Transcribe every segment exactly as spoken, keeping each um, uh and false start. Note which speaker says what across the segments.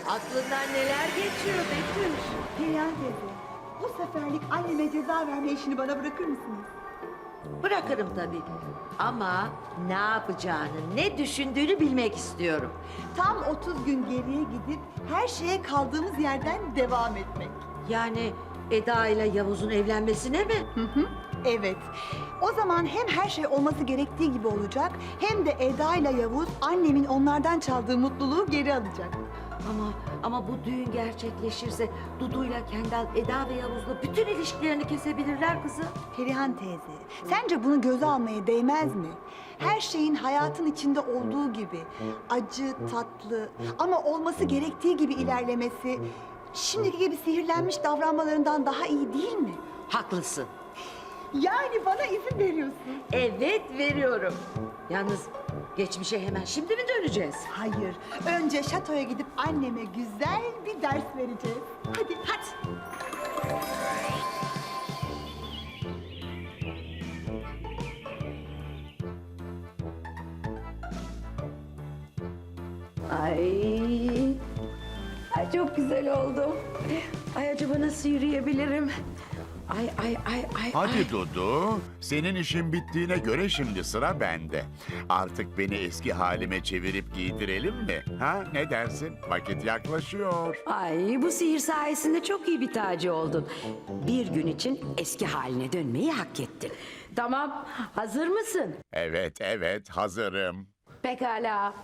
Speaker 1: Aklından neler geçiyor Betüş?
Speaker 2: Perihan teyze, bu seferlik anneme ceza verme işini bana bırakır mısınız?
Speaker 1: Bırakırım tabii. Ama ne yapacağını, ne düşündüğünü bilmek istiyorum.
Speaker 2: Tam otuz gün geriye gidip her şeye kaldığımız yerden devam etmek.
Speaker 1: Yani Eda ile Yavuz'un evlenmesine mi?
Speaker 2: Hı hı, evet. O zaman hem her şey olması gerektiği gibi olacak, hem de Eda ile Yavuz annemin onlardan çaldığı mutluluğu geri alacak.
Speaker 1: Ama ama bu düğün gerçekleşirse Dudu'yla Kendal, Eda ve Yavuz'la bütün ilişkilerini kesebilirler kızım.
Speaker 2: Perihan teyze, sence bunu göze almaya değmez mi? Her şeyin hayatın içinde olduğu gibi acı, tatlı ama olması gerektiği gibi ilerlemesi şimdiki gibi sihirlenmiş davranmalarından daha iyi değil mi?
Speaker 1: Haklısın.
Speaker 2: Yani bana izin veriyorsun.
Speaker 1: Evet, veriyorum. Yalnız geçmişe hemen şimdi mi döneceğiz?
Speaker 2: Hayır, önce şatoya gidip anneme güzel bir ders vereceğiz. Hadi, hadi.
Speaker 3: Ay, ay çok güzel oldu. Ay acaba nasıl yürüyebilirim? Ay ay ay ay.
Speaker 4: Hadi
Speaker 3: ay.
Speaker 4: Dudu, senin işin bittiğine göre şimdi sıra bende. Artık beni eski halime çevirip giydirelim mi? Ha, ne dersin? Vakit yaklaşıyor.
Speaker 3: Ay bu sihir sayesinde çok iyi bir tacı oldun. Bir gün için eski haline dönmeyi hak ettin. Tamam, hazır mısın?
Speaker 4: Evet, evet, hazırım.
Speaker 3: Pekala.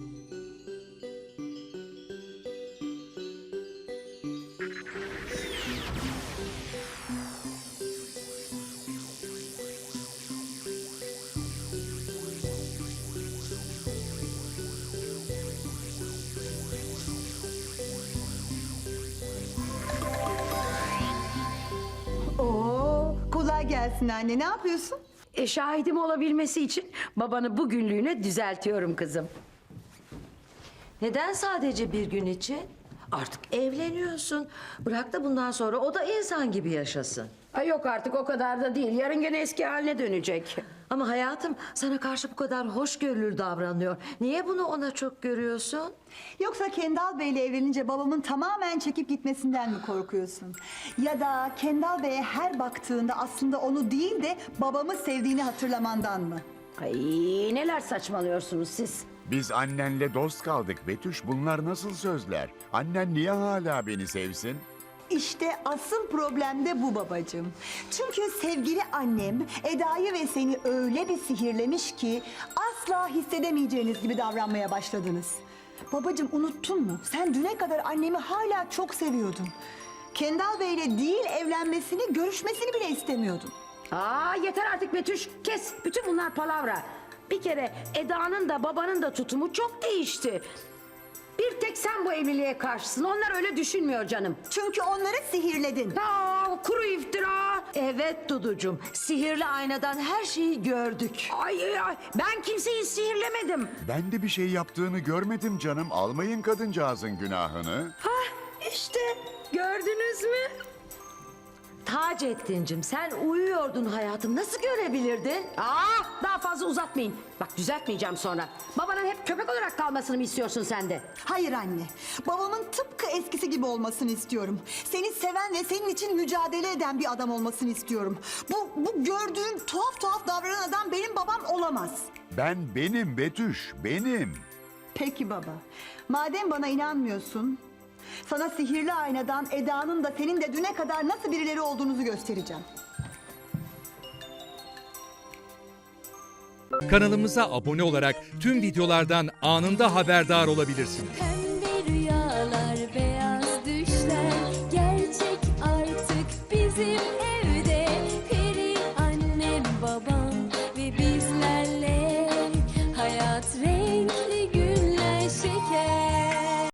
Speaker 2: Oo, kolay gelsin anne. Ne yapıyorsun?
Speaker 3: E, şahidim olabilmesi için babanı bugünlüğüne düzeltiyorum kızım.
Speaker 1: Neden sadece bir gün için? Artık evleniyorsun. Bırak da bundan sonra o da insan gibi yaşasın.
Speaker 3: Ay yok artık o kadar da değil. Yarın gene eski haline dönecek.
Speaker 1: Ama hayatım sana karşı bu kadar hoşgörülü davranıyor. Niye bunu ona çok görüyorsun?
Speaker 2: Yoksa Kendal Bey'le evlenince babamın tamamen çekip gitmesinden mi korkuyorsun? Ya da Kendal Bey'e her baktığında aslında onu değil de babamı sevdiğini hatırlamandan mı?
Speaker 3: Ay neler saçmalıyorsunuz siz?
Speaker 4: Biz annenle dost kaldık Betüş. Bunlar nasıl sözler? Annen niye hala beni sevsin?
Speaker 2: İşte asıl problem de bu babacığım. Çünkü sevgili annem Eda'yı ve seni öyle bir sihirlemiş ki asla hissedemeyeceğiniz gibi davranmaya başladınız. Babacığım unuttun mu? Sen düne kadar annemi hala çok seviyordun. Kendal Bey'le değil evlenmesini, görüşmesini bile istemiyordun.
Speaker 3: Aa yeter artık Betüş. Kes. Bütün bunlar palavra. Bir kere Eda'nın da babanın da tutumu çok değişti. Bir tek sen bu evliliğe karşısın. Onlar öyle düşünmüyor canım.
Speaker 2: Çünkü onları sihirledin.
Speaker 3: Aa, kuru iftira.
Speaker 1: Evet Duducuğum, sihirli aynadan her şeyi gördük.
Speaker 3: Ay, ay, ay, ben kimseyi sihirlemedim.
Speaker 4: Ben de bir şey yaptığını görmedim canım. Almayın kadıncağızın günahını.
Speaker 3: Hah işte gördünüz mü?
Speaker 1: Taceddin'cim sen uyuyordun hayatım. Nasıl görebilirdin?
Speaker 3: Aa, daha fazla uzatmayın. Bak düzeltmeyeceğim sonra. Babanın hep köpek olarak kalmasını mı istiyorsun sen de?
Speaker 2: Hayır anne. Babamın tıpkı eskisi gibi olmasını istiyorum. Seni seven ve senin için mücadele eden bir adam olmasını istiyorum. Bu, bu gördüğün tuhaf tuhaf davranan adam benim babam olamaz.
Speaker 4: Ben benim Betüş, benim.
Speaker 2: Peki baba. Madem bana inanmıyorsun, sana sihirli aynadan Eda'nın da senin de düne kadar nasıl birileri olduğunuzu göstereceğim.
Speaker 5: Kanalımıza abone olarak tüm videolardan anında haberdar olabilirsiniz.
Speaker 6: Pembe